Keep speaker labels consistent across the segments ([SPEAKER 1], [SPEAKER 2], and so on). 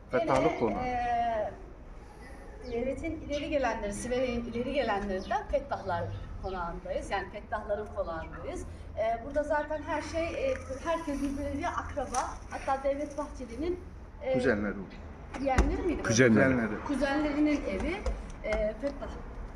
[SPEAKER 1] Fettahlık Konağı.
[SPEAKER 2] Devletin ileri gelenleri, Siverek'in ileri gelenlerinden Fettahlar Konağı'ndayız. Yani Fettahların Konağı'ndayız. Burada zaten her şey, herkes birbirleriyle akraba. Hatta Devlet Bahçeli'nin
[SPEAKER 1] Kuzenleri.
[SPEAKER 2] yeğenleri miydi?
[SPEAKER 1] Kuzenleri.
[SPEAKER 2] Kuzenlerinin evi Fettah.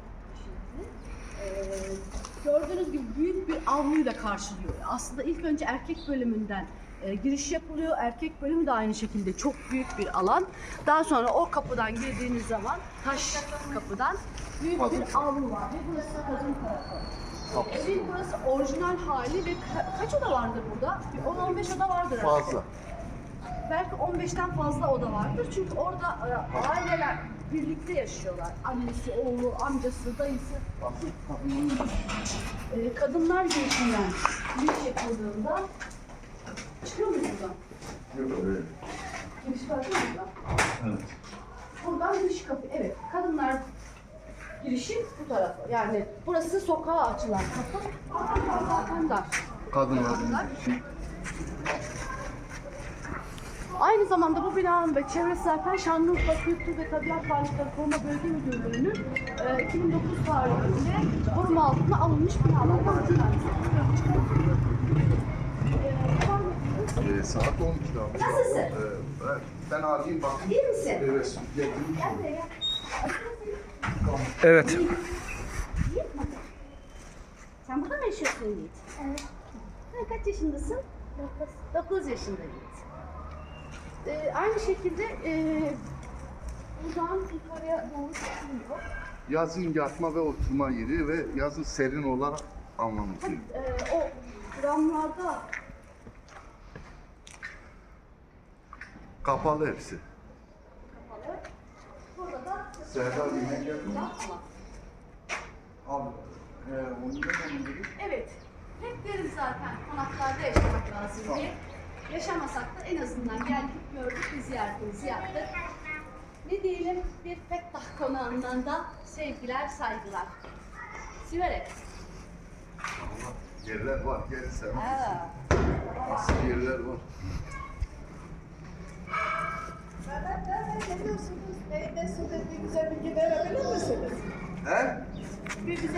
[SPEAKER 2] Gördüğünüz gibi büyük bir avluyla karşılıyor. Aslında ilk önce erkek bölümünden giriş yapılıyor. Erkek bölümü de aynı şekilde çok büyük bir alan. Daha sonra o kapıdan girdiğiniz zaman taş kapıdan büyük bir avlu var. Ve burası kadın tarafı. Evin burası orijinal hali ve kaç oda vardır burada? Bir 10-15 oda vardır herhalde.
[SPEAKER 1] Fazla.
[SPEAKER 2] Belki 15'ten fazla oda vardır. Çünkü orada aileler birlikte yaşıyorlar. Annesi, oğlu, amcası, dayısı. Kadınlar girişinden giriş yapıldığında çıkıyor muyuz buradan?
[SPEAKER 1] Yok öyle.
[SPEAKER 2] Giriş var değil mi buradan?
[SPEAKER 1] Evet.
[SPEAKER 2] Buradan giriş kapı. Evet. Kadınlar girişi bu tarafı. Yani burası sokağa açılan kapı. Zaten dar.
[SPEAKER 1] Kadınlar.
[SPEAKER 2] Aynı zamanda bu binanın ve çevresi zaten Şanlıurfa Kültür ve Tabiat Varlıkları Koruma Bölge Müdürlüğü'nün 2009 tarihinde koruma altına alınmış binalardan bir tanesi.
[SPEAKER 1] Saat 12 abi.
[SPEAKER 2] Nasılsın?
[SPEAKER 1] Ben arayayım bakayım.
[SPEAKER 2] İyi misin?
[SPEAKER 1] Evet. Getirdim.
[SPEAKER 2] Gel buraya gel.
[SPEAKER 3] Evet.
[SPEAKER 2] Yiğit mi? Sen burada mı yaşıyorsun Yiğit?
[SPEAKER 4] Evet.
[SPEAKER 2] Ha, kaç yaşındasın? 9 yaşında Yiğit. Aynı şekilde buradan yukarıya doğru çıkılıyor.
[SPEAKER 1] Yazın yatma ve oturma yeri ve yazın serin olarak anlamlı.
[SPEAKER 2] O gramlarda
[SPEAKER 1] Kapalı hepsi.
[SPEAKER 2] kapalı. Burada da
[SPEAKER 1] Serdar yemek yapıyor.
[SPEAKER 2] yapma.
[SPEAKER 1] Abi. Onu da dedik.
[SPEAKER 2] Evet. Hep derim zaten konaklarda yaşamak lazım diye. Yaşamasak da en azından geldik, gördük, bir ziyaretimizi yaptık. Ne diyelim, bir Fettah Konağı'ndan da sevgiler, saygılar. Siverek.
[SPEAKER 1] Yerler var. Gel sen.
[SPEAKER 2] Ha.
[SPEAKER 1] Nasıl yerler var.
[SPEAKER 4] Nereden geliyorsunuz? Ne güzel bilgi verebilir misiniz?
[SPEAKER 1] He?
[SPEAKER 2] Bir güzel